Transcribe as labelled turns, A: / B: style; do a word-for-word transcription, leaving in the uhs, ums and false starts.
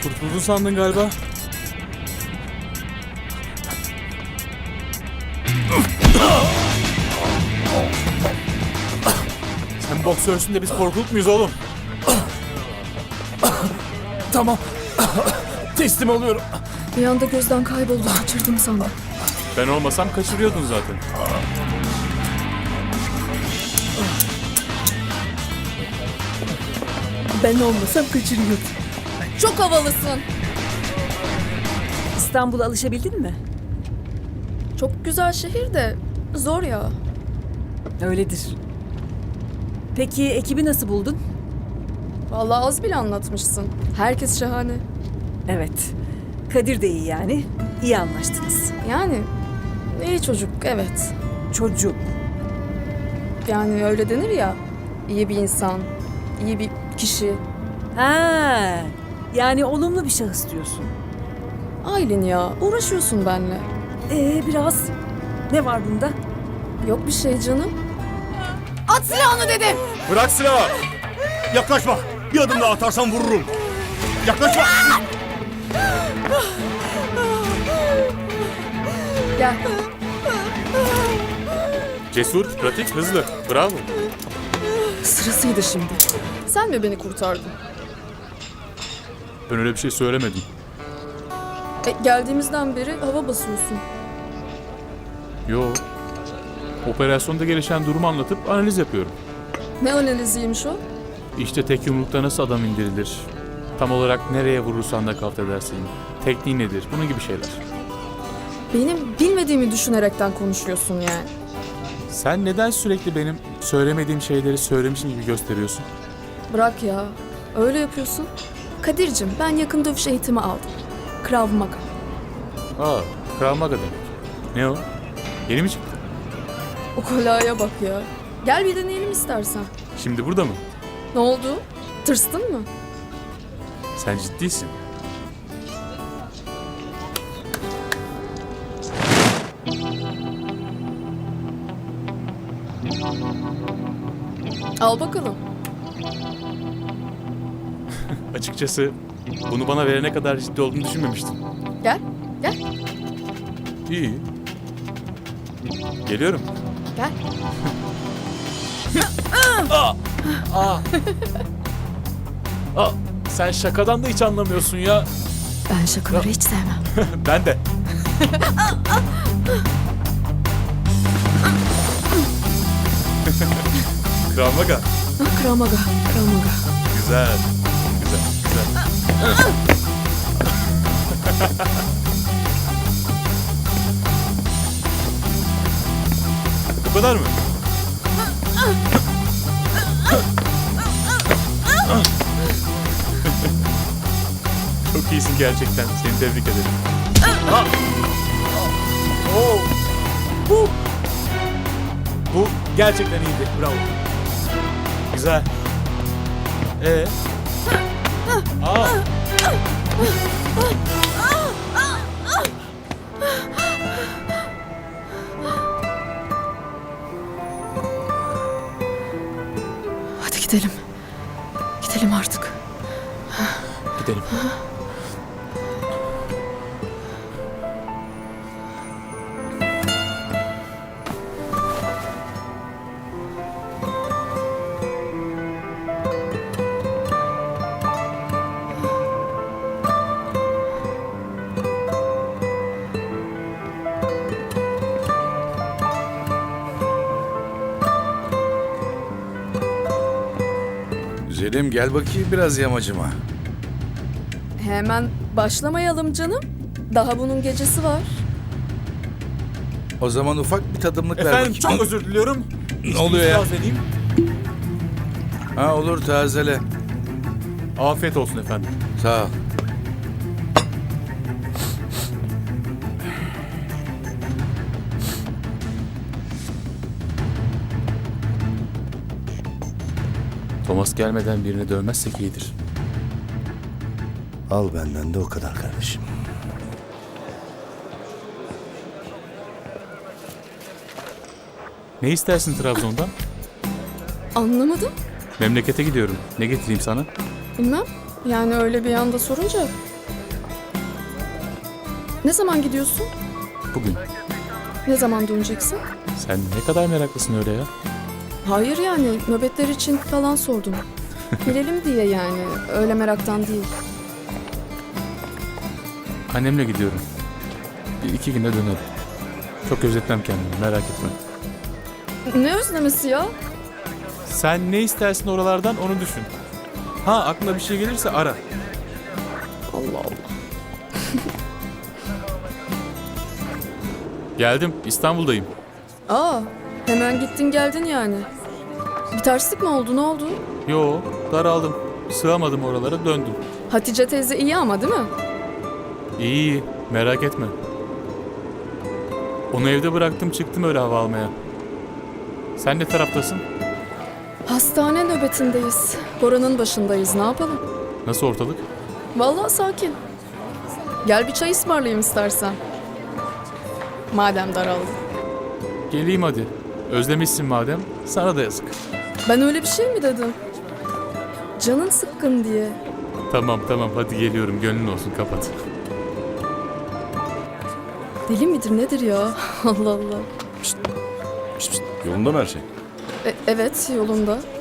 A: Kurtuldun sandın galiba. Sen boksörsün de biz korkuluk muyuz oğlum?
B: Tamam. Teslim oluyorum.
C: Bir anda gözden kayboldu. Kaçırdım sandım.
A: Ben olmasam kaçırıyordun zaten.
C: Ben olmasam kaçırıyordum. Çok havalısın.
D: İstanbul'a alışabildin mi?
C: Çok güzel şehir de zor ya.
D: Öyledir. Peki ekibi nasıl buldun?
C: Vallahi az bile anlatmışsın. Herkes şahane.
D: Evet. Kadir de iyi yani. İyi anlaştınız.
C: Yani iyi çocuk, evet.
D: Çocuk.
C: Yani öyle denir ya. İyi bir insan, iyi bir kişi.
D: Ha, yani olumlu bir şahıs diyorsun.
C: Aylin ya, uğraşıyorsun benimle.
D: Ee biraz. Ne var bunda?
C: Yok bir şey canım. At silahını dedim.
B: Bırak silahı. Yaklaşma. Bir adım daha atarsan vururum. Yaklaşma.
C: Gel.
A: Cesur, pratik, hızlı. Bravo.
C: Sırasıydı şimdi. Sen mi beni kurtardın?
A: Ben öyle bir şey söylemedim.
C: E, geldiğimizden beri hava basıyorsun.
A: Yo. Operasyonda gelişen durumu anlatıp analiz yapıyorum.
C: Ne analiziymiş o?
A: İşte tek yumrukta nasıl adam indirilir? Tam olarak nereye vurursan da kalt edersin. Tekniği nedir? Bunun gibi şeyler.
C: Benim bilmediğimi düşünerekten konuşuyorsun yani.
A: Sen neden sürekli benim söylemediğim şeyleri söylemişim gibi gösteriyorsun?
C: Bırak ya. Öyle yapıyorsun. Kadir'cim ben yakın dövüş eğitimi aldım. Krav Maga.
A: Aa, Krav Maga demek. Ne o? Yeni mi çıktı?
C: O kolaya bak ya. Gel bir deneyelim istersen.
A: Şimdi burada mı?
C: Ne oldu? Tırstın mı?
A: Sen ciddisin.
C: Al bakalım.
A: Açıkçası bunu bana verene kadar ciddi olduğunu düşünmemiştim.
C: Gel. Gel.
A: İyi. Geliyorum.
C: Gel.
A: Aa, sen şakadan da hiç anlamıyorsun ya.
C: Ben şakaları hiç sevmem.
A: Ben de. Krav Maga.
C: Krav Maga. Krav Maga.
A: Güzel. Güzel. Güzel. Bu kadar mı? Çok iyisin gerçekten. Seni tebrik ederim. Ha! Oo! Bu! Bu gerçekten iyiydi. Bravo. Güzel. Ee? Aa!
C: Hadi gidelim. Gidelim artık.
A: Gidelim.
E: Güzelim gel bakayım biraz yamacıma.
C: Hemen başlamayalım canım. Daha bunun gecesi var.
E: O zaman ufak bir tadımlık ver
A: Efendim
E: bakayım.
A: çok özür diliyorum.
E: Ne oluyor ya?
A: İtiraz edeyim.
E: Ha olur tazele.
A: Afiyet olsun efendim.
E: Sağ ol.
A: Thomas gelmeden birini dövmezsek iyidir.
F: Al benden de o kadar kardeşim.
A: Ne istersin Trabzon'dan?
C: Anlamadım.
A: Memlekete gidiyorum. Ne getireyim sana?
C: Bilmem. Yani öyle bir anda sorunca Ne zaman gidiyorsun?
A: Bugün.
C: Ne zaman döneceksin?
A: Sen ne kadar meraklısın öyle ya.
C: Hayır yani nöbetler için falan sordum. Bilelim diye yani. Öyle meraktan değil.
A: Annemle gidiyorum. Bir iki günde dönerim. Çok özletmem kendimi, merak etme.
C: Ne özlemesi ya?
A: Sen ne istersin oralardan onu düşün. Ha aklına bir şey gelirse ara.
C: Allah Allah.
A: Geldim, İstanbul'dayım.
C: Aa, hemen gittin geldin yani. Bir terslik mi oldu? Ne oldu?
A: Yo, daraldım. Sığamadım oralara, döndüm.
C: Hatice teyze iyi ama değil mi?
A: İyi iyi, merak etme. Onu evde bıraktım, çıktım öyle hava almaya. Sen ne taraftasın?
C: Hastane nöbetindeyiz. Bora'nın başındayız. Ne yapalım?
A: Nasıl ortalık?
C: Vallahi sakin. Gel bir çay ısmarlayayım istersen. Madem daraldın.
A: Geleyim hadi. Özlemişsin madem, sana da yazık.
C: Ben öyle bir şey mi dedim? Canın sıkkın diye.
A: Tamam tamam, hadi geliyorum, gönlün olsun, kapat.
C: Deli midir nedir ya? Allah Allah.
B: Yolunda mı her şey?
C: E- evet yolunda.